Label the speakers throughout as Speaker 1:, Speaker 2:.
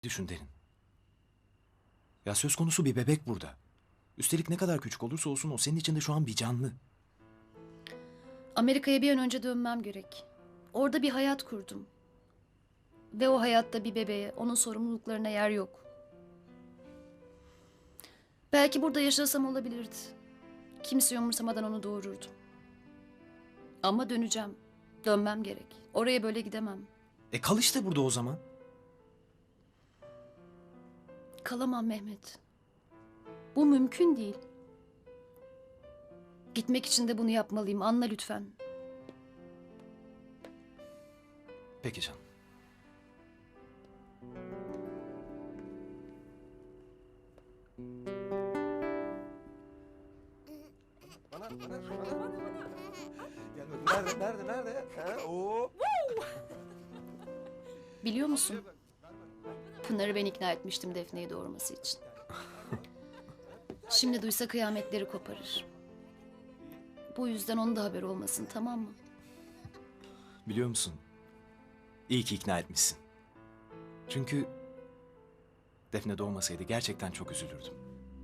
Speaker 1: Düşün Derin. Ya söz konusu bir bebek burada. Üstelik ne kadar küçük olursa olsun o senin içinde şu an bir canlı.
Speaker 2: Amerika'ya bir an önce dönmem gerek. Orada bir hayat kurdum. Ve o hayatta bir bebeğe, onun sorumluluklarına yer yok. Belki burada yaşasam olabilirdi. Kimse umursamadan onu doğururdum. Ama döneceğim. Dönmem gerek. Oraya böyle gidemem.
Speaker 1: Kal işte burada o zaman.
Speaker 2: Kalamam Mehmet. Bu mümkün değil. Gitmek için de bunu yapmalıyım. Anla lütfen.
Speaker 1: Peki canım.
Speaker 3: Bana. Gel bakayım. Nerede? Ha, oo.
Speaker 2: Biliyor musun? Pınar'ı ben ikna etmiştim Defne'yi doğurması için. Şimdi duysa kıyametleri koparır. Bu yüzden onun da haberi olmasın, tamam mı?
Speaker 1: Biliyor musun? İyi ki ikna etmişsin. Çünkü Defne doğmasaydı gerçekten çok üzülürdüm.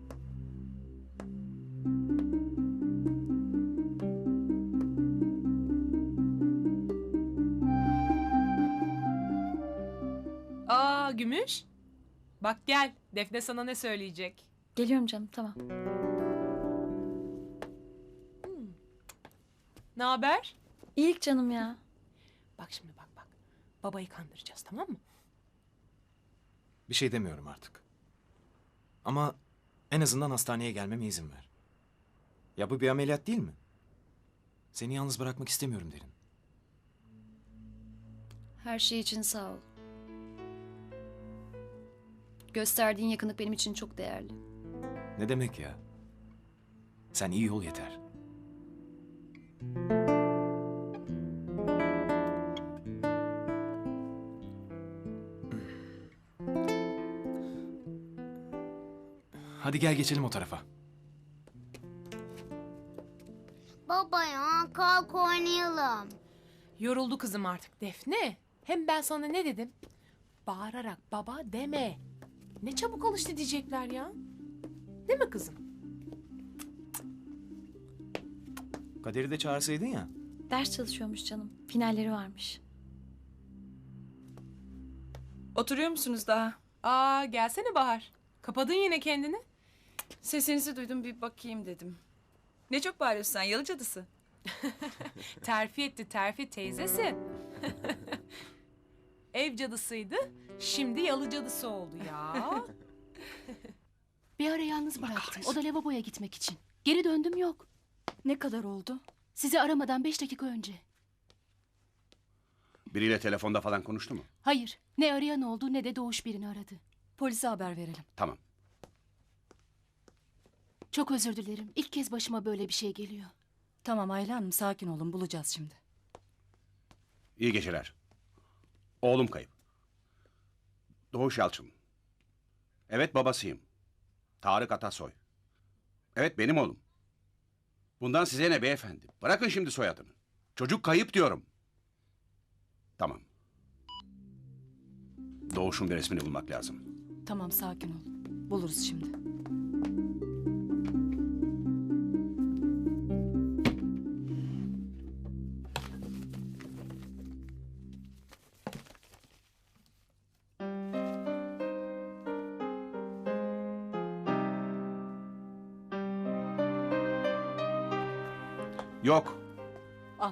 Speaker 4: Aa Gümüş. Bak gel. Defne sana ne söyleyecek?
Speaker 2: Geliyorum canım, tamam.
Speaker 4: Ne haber?
Speaker 2: İlk canım ya.
Speaker 4: Bak şimdi bak. Babayı kandıracağız, tamam mı?
Speaker 1: Bir şey demiyorum artık. Ama en azından hastaneye gelmeme izin ver. Ya bu bir ameliyat değil mi? Seni yalnız bırakmak istemiyorum Derin.
Speaker 2: Her şey için sağ ol. Gösterdiğin yakınlık benim için çok değerli.
Speaker 1: Ne demek ya? Sen iyi ol yeter. Hadi gel geçelim o tarafa.
Speaker 5: Baba ya kalk oynayalım.
Speaker 4: Yoruldu kızım artık Defne. Hem ben sana ne dedim? Bağırarak baba deme. Ne çabuk alıştı diyecekler ya. Değil mi kızım?
Speaker 1: Kader'i de çağırsaydın ya.
Speaker 2: Ders çalışıyormuş canım. Finalleri varmış.
Speaker 6: Oturuyor musunuz daha?
Speaker 4: Aa gelsene Bahar. Kapadın yine kendini.
Speaker 6: Sesinizi duydum bir bakayım dedim. Ne çok bağırıyorsun sen yalı cadısı.
Speaker 4: Terfi teyzesi. Ev cadısıydı. Şimdi yalı cadısı oldu ya.
Speaker 7: Bir ara yalnız bıraktım. O da lavaboya gitmek için. Geri döndüm yok.
Speaker 6: Ne kadar oldu?
Speaker 7: Sizi aramadan 5 dakika önce.
Speaker 8: Biriyle telefonda falan konuştu mu?
Speaker 7: Hayır. Ne arayan oldu ne de Doğuş birini aradı.
Speaker 6: Polise haber verelim.
Speaker 8: Tamam.
Speaker 7: Çok özür dilerim. İlk kez başıma böyle bir şey geliyor.
Speaker 6: Tamam Ayla Hanım sakin olun bulacağız şimdi.
Speaker 8: İyi geceler. Oğlum kayıp. Doğuş Yalçın. Evet babasıyım. Tarık Atasoy. Evet benim oğlum. Bundan size ne beyefendi? Bırakın şimdi soyadını. Çocuk kayıp diyorum. Tamam. Doğuş'un bir resmini bulmak lazım.
Speaker 6: Tamam sakin ol. Buluruz şimdi.
Speaker 8: Yok.
Speaker 6: Al.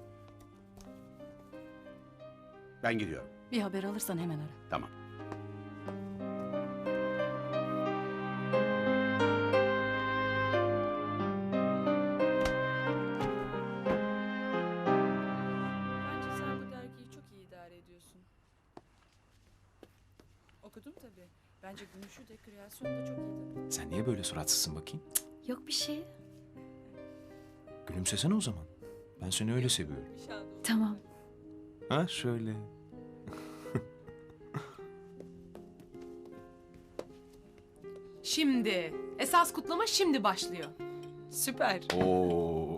Speaker 8: Ben gidiyorum.
Speaker 6: Bir haber alırsan hemen ara.
Speaker 8: Tamam.
Speaker 6: Bence sen bu dergiyi çok iyi idare ediyorsun. Okudum tabii. Bence Gümüş'ü de kreasyon da çok iyiydi.
Speaker 1: Sen niye böyle suratsızsın bakayım?
Speaker 2: Yok bir şey.
Speaker 1: Gülümsesene o zaman. Ben seni öyle seviyorum.
Speaker 2: Tamam.
Speaker 1: Ha şöyle.
Speaker 4: Şimdi. Esas kutlama şimdi başlıyor.
Speaker 6: Süper.
Speaker 1: Oo.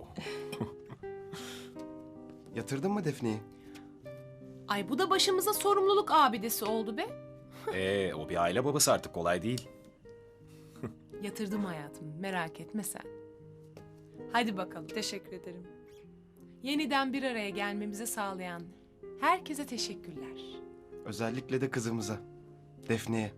Speaker 3: Yatırdın mı Defne'yi?
Speaker 4: Ay bu da başımıza sorumluluk abidesi oldu be.
Speaker 1: O bir aile babası artık, kolay değil.
Speaker 4: Yatırdım hayatım, merak etme sen. Hadi bakalım.
Speaker 6: Teşekkür ederim.
Speaker 4: Yeniden bir araya gelmemizi sağlayan herkese teşekkürler.
Speaker 3: Özellikle de kızımıza. Defne'ye.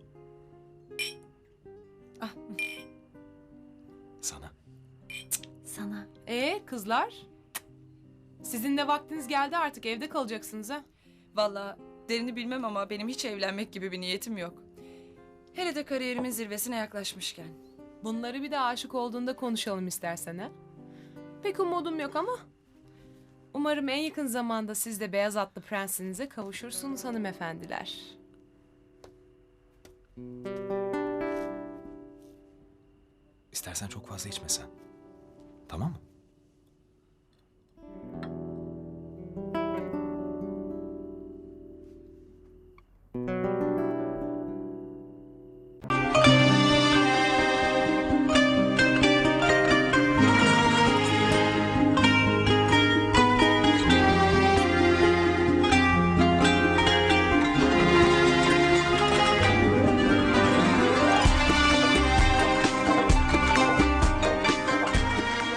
Speaker 1: Sana.
Speaker 2: Sana.
Speaker 4: Kızlar? Sizin de vaktiniz geldi, artık evde kalacaksınız ha.
Speaker 6: Vallahi derini bilmem ama benim hiç evlenmek gibi bir niyetim yok. Hele de kariyerimin zirvesine yaklaşmışken.
Speaker 4: Bunları bir de aşık olduğunda konuşalım istersen ha. Pek umudum yok ama umarım en yakın zamanda siz de beyaz atlı prensinize kavuşursunuz hanımefendiler.
Speaker 1: İstersen çok fazla içmesen. Tamam mı?